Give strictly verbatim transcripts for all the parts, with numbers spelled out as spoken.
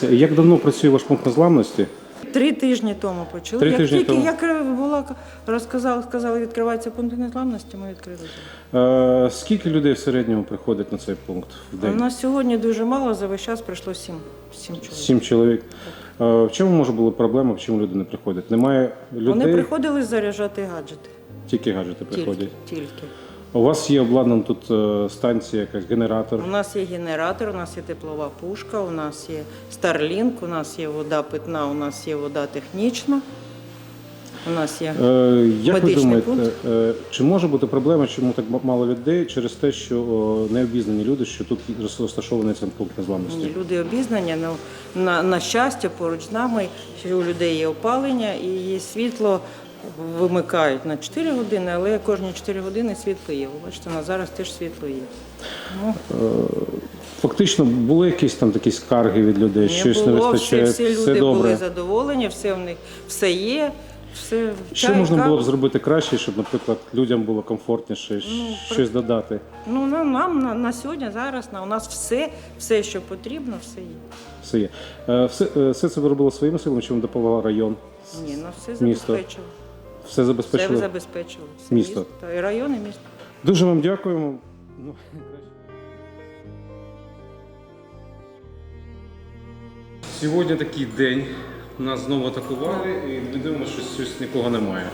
Леся, як давно працює ваш пункт незламності? Три тижні тому почали. Три як тижні тільки тому. як була розказали, сказали, відкривається пункт незламності, ми відкрили. Е, скільки людей в середньому приходить на цей пункт в У день? нас сьогодні дуже мало, за весь час прийшло сім, сім чоловік. Сім чоловік. Е, в чому може була проблема, в чому люди не приходять? Немає людей? Вони приходили заряджати гаджети. Тільки гаджети приходять. Тільки, тільки. У вас є обладнана тут е, станція, якась генератор? У нас є генератор, у нас є теплова пушка, у нас є Starlink, у нас є вода питна, у нас є вода технічна. У нас є Е, як ви медичний думаєте, пункт. е, чи може бути проблема, чому так мало людей через те, що о, не обізнані люди, що тут розташований цей пункт незламності? Ні, люди обізнані, ну, на, на щастя, поруч з нами, що у людей є опалення і є світло, вимикають на чотири години, але кожні чотири години світло є. Ви бачите, на зараз теж світло є. Ну, Фактично, були якісь там такі скарги від людей, не щось було, не вистачає, всі, всі люди добре. були задоволені, все в них все є. Все, Що чай, можна кава. було б зробити краще, щоб, наприклад, людям було комфортніше, Ну, щось додати? Ну, на- нам на, на сьогодні, зараз, на, у нас все, все, що потрібно, все є. Все є. Е, Все, е, все це ви робили своїми силами, чи вам допомагав район? Ні, ну все Місто. забезпечило. Все Все забезпечили? забезпечило. Все Місто. Та і район, і місто. Дуже вам дякуємо. Ну, Сьогодні такий день. Нас знову атакували і ми дивимося, що щось нікого немає.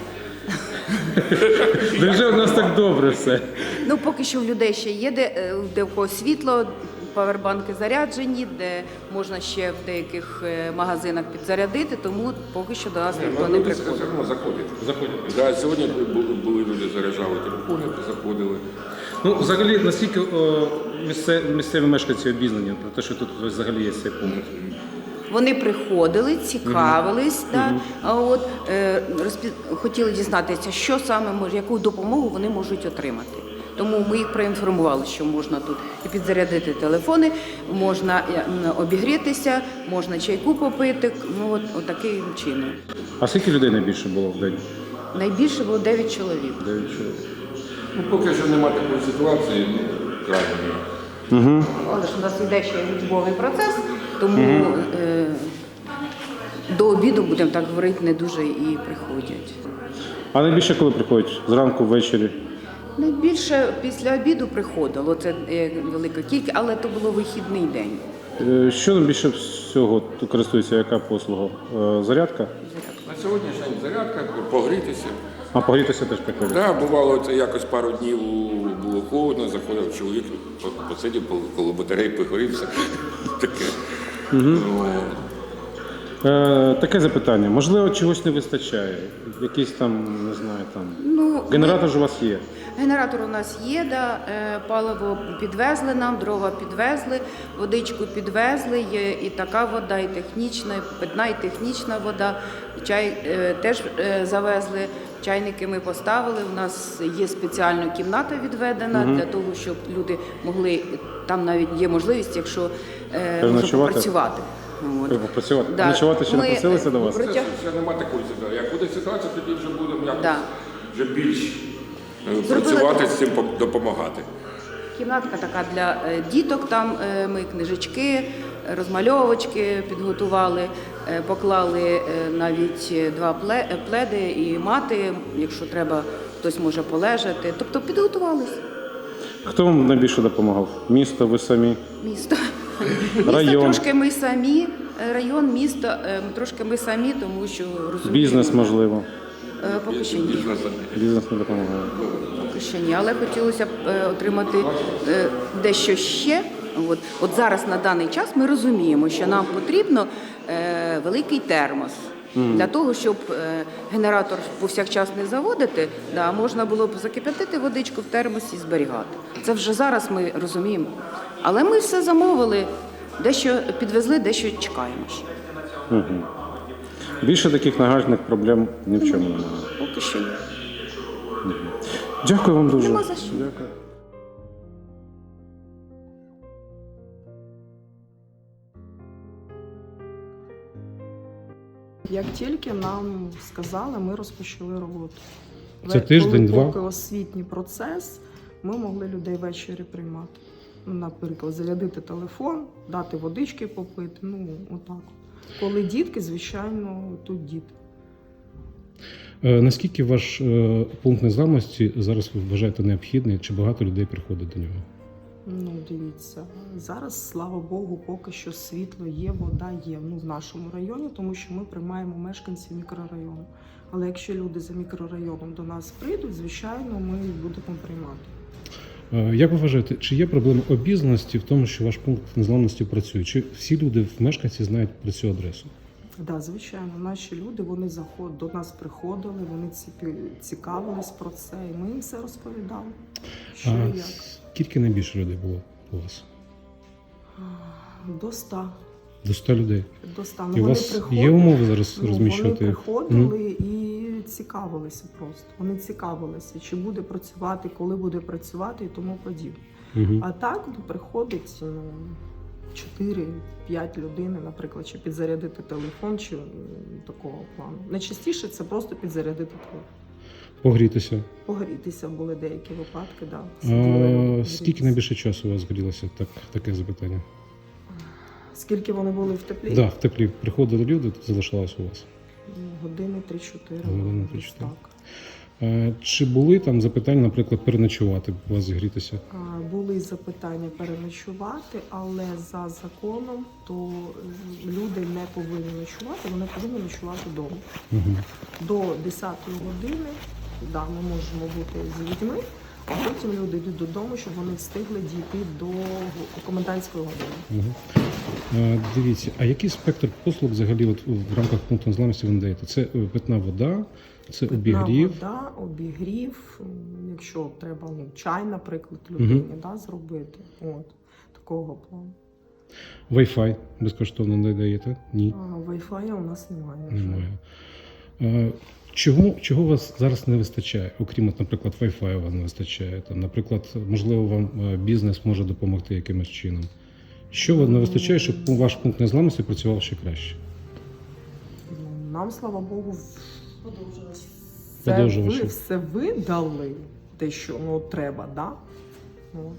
Невже у нас так добре все? Ну, поки що в людей ще є, де, е, де в когось світло, павербанки заряджені, де можна ще в деяких е, магазинах підзарядити, тому поки що до нас ніхто не Люди приходить. все одно заходять. Заходять. Да, сьогодні бу- були люди, заряджали телефони, заходили. Ну, взагалі, наскільки о, місце- місцеві мешканці обізнані про те, що тут взагалі є цей пункт? Вони приходили, цікавились, да, а от, е, розпі- хотіли дізнатися, що саме може, яку допомогу вони можуть отримати. Тому ми їх проінформували, що можна тут і підзарядити телефони, можна е, м, обігрітися, можна чайку попити, ну от, от таким чином. А скільки людей найбільше було в день? Найбільше було дев'ять чоловік. Дев'ять чоловік. Ну, поки що немає такої ситуації, ну, крайньої. Угу. Але ж у нас йде ще учбовий процес, тому е, до обіду, будемо так говорити, не дуже і приходять. А найбільше коли приходять? Зранку, ввечері? Найбільше після обіду приходило, це е, велика кількість, але то було вихідний день. Е, Що найбільше всього тут користується, яка послуга? Е, Зарядка? На сьогоднішній день зарядка, погрітися. А погрітися теж приходять? Да, бувало, це якось пару днів було холодно, заходив чоловік, посидів коло батареї, погрівся. Таке. Ну, Е, таке запитання. Можливо, чогось не вистачає? Якийсь там, не знаю, там... Ну, Генератор ж у вас є? Генератор у нас є, да, е, паливо підвезли нам, дрова підвезли, водичку підвезли, є і така вода, і технічна, і питна, і технічна вода. Чай е, теж е, завезли, чайники ми поставили. У нас є спеціальна кімната відведена для того, щоб люди могли, там навіть є можливість, якщо е, можна Переночувати? попрацювати. От. Працювати? Да. Nочувати ще не Ми, просилися до вас? е, це ще немає такої ситуації. Як буде ситуація, тоді вже будемо якось Да. вже більш е, Зробили працювати так. з цим, пом- допомагати. Кімнатка така для е, діток, там е, ми книжечки, розмальовочки підготували, е, поклали е, навіть е, два пле- е, пледи і мати, якщо треба, хтось може полежати. Тобто підготувалися. Хто вам найбільше допомагав? Місто, ви самі? Місто. Місто Район. трошки ми самі, е, район, місто, е, трошки ми самі, тому що розуміємо. Бізнес, можливо? Е, Поки що ні. Бізнес. Бізнес не допомагає. Поки що ні, але хотілося б е, отримати е, дещо ще. От, от зараз на даний час ми розуміємо, що нам потрібно е, великий термос. Для того, щоб е, генератор повсякчас не заводити, да, можна було б закип'ятити водичку в термосі і зберігати. Це вже зараз ми розуміємо. Але ми все замовили, дещо підвезли, дещо чекаємо ще. Угу. Більше таких нагальних проблем ні в чому немає. Поки що ні. Дякую вам дуже. Нема за що. Дякую. Як тільки нам сказали, ми розпочали роботу. Це Ве- тиждень, коли два? Поки освітній процес, ми могли людей ввечері приймати. наприклад, зарядити телефон, дати водички попити, ну, отак. Коли дітки, звичайно, тут діти. Е, Наскільки ваш е, пункт незламності зараз ви вважаєте необхідний? Чи багато людей приходить до нього? Ну, дивіться, зараз, слава Богу, поки що світло є, вода є, ну, в нашому районі, тому що ми приймаємо мешканців мікрорайону. Але якщо люди за мікрорайоном до нас прийдуть, звичайно, ми їх будемо приймати. Е, Як ви вважаєте, чи є проблема обізнаності в тому, що ваш пункт незламності працює? Чи всі люди, мешканці, знають про цю адресу? Так, да, звичайно, наші люди, вони заход, до нас приходили, вони ці- цікавились про це, і ми їм все розповідали, що А і як. скільки найбільше людей було у вас? До ста. До ста людей. До ста. І Ну, у вони вас приходили, є умови зараз ну, розміщувати Вони їх? приходили і цікавилися просто. Вони цікавилися, чи буде працювати, коли буде працювати і тому подібне. Угу. А так ну, приходить ну, чотири-п'ять людей, наприклад, чи підзарядити телефон, чи м, такого плану. Найчастіше це просто підзарядити телефон. Погрітися. Погрітися були деякі випадки, да. А, Сиділи, скільки грітися. найбільше часу у вас згорілося? Так, таке запитання. Скільки вони були в теплі? Так, да, в теплі приходили люди, залишалось у вас. Ну, Години три-чотири. Години десь три-чотири. так. А, чи були там запитання, наприклад, переночувати, у вас зігрітися? А, Були запитання переночувати, але за законом то е, люди не повинні ночувати, вони повинні ночувати вдома. Угу. До десятої години да, ми можемо бути з людьми, а потім люди йдуть додому, щоб вони встигли дійти до комендантської години. Угу. А, дивіться, а який спектр послуг взагалі от, в рамках пункту незламності ви надаєте? Це е, питна вода, це Питна обігрів. вода, обігрів, м, якщо треба ну, чай, наприклад, людині Мгм. да, зробити. От, такого плану. Wi-Fi безкоштовно надаєте? Ні. А, Wi-Fi у нас немає. на жаль. Немає. А, чого, чого у вас зараз не вистачає? Окрім, от, наприклад, Wi-Fi вам не вистачає. Там, наприклад, можливо, вам е, бізнес може допомогти якимось чином. Що вам не вистачає, щоб ваш пункт незламності працював ще краще? Ну, Нам, слава Богу, в- все, Подовжувачі. ви, все видали, те, що ну, треба, да? От.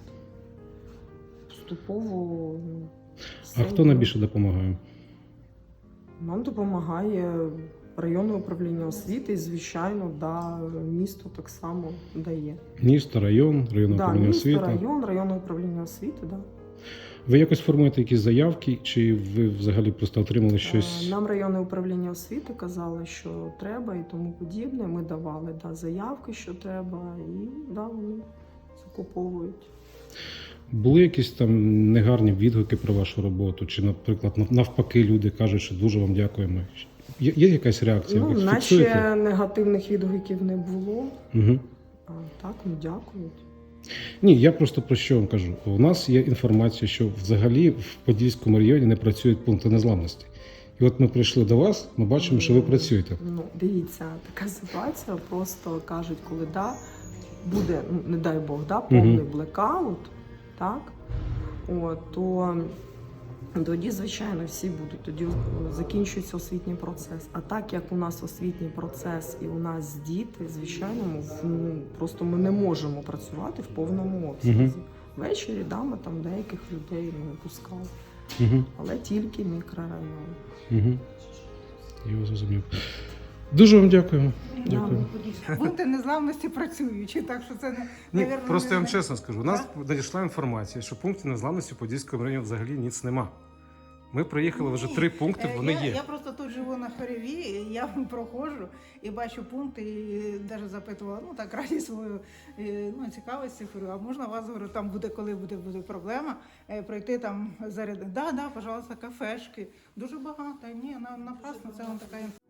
Поступово. ну, все А хто йде. найбільше допомагає? Нам допомагає районне управління освіти, і, звичайно, да, місто так само дає. Місто, район, районне Да, управління місто, освіти. район, районне управління освіти, да. Ви якось формуєте якісь заявки, чи ви взагалі просто отримали щось? Е, Нам районне управління освіти казали, що треба і тому подібне. Ми давали да, заявки, що треба, і да, вони закуповують. Були якісь там негарні відгуки про вашу роботу? Чи, наприклад, нав- навпаки, люди кажуть, що дуже вам дякуємо? Є, є якась реакція? Ну, Ви наче фіксуєте? негативних відгуків не було. Угу. А так, ну дякують. Ні, я просто про що вам кажу. У нас є інформація, що взагалі в Подільському районі не працюють пункти незламності. І от ми прийшли до вас, ми бачимо, що ви працюєте. Ну, дивіться, така ситуація, просто кажуть, коли да, буде, ну, не дай Бог, да, повний Мгм. блекаут, так, от, то тоді, звичайно, всі будуть, тоді закінчується освітній процес. А так як у нас освітній процес і у нас діти, звичайно, ми, в- ну, просто ми не можемо працювати в повному обсязі. Мгм. Ввечері да, ми там деяких людей не пускали, Угу. але тільки мікрорайон. Угу. Я вас зрозумів. Дуже вам дякую. Да, Дякую. Пункти незламності працюючі, так що це не Ні, навірно, просто я вам не- чесно скажу. У нас надійшла інформація, що пунктів незламності в Подільському районі взагалі ніц нема. Ми проїхали вже Ні. три пункти, Е, вони я, є. Я просто тут живу на Хореві, і я проходжу і бачу пункти, і навіть запитувала, ну так раді свою е, ну, цікавості, говорю, а можна вас, говорю, там буде, коли буде, буде проблема, е, пройти там заряд. Да, да, пожалуйста, кафешки. Дуже багато. Ні, на, напрасно, це вам така інформація.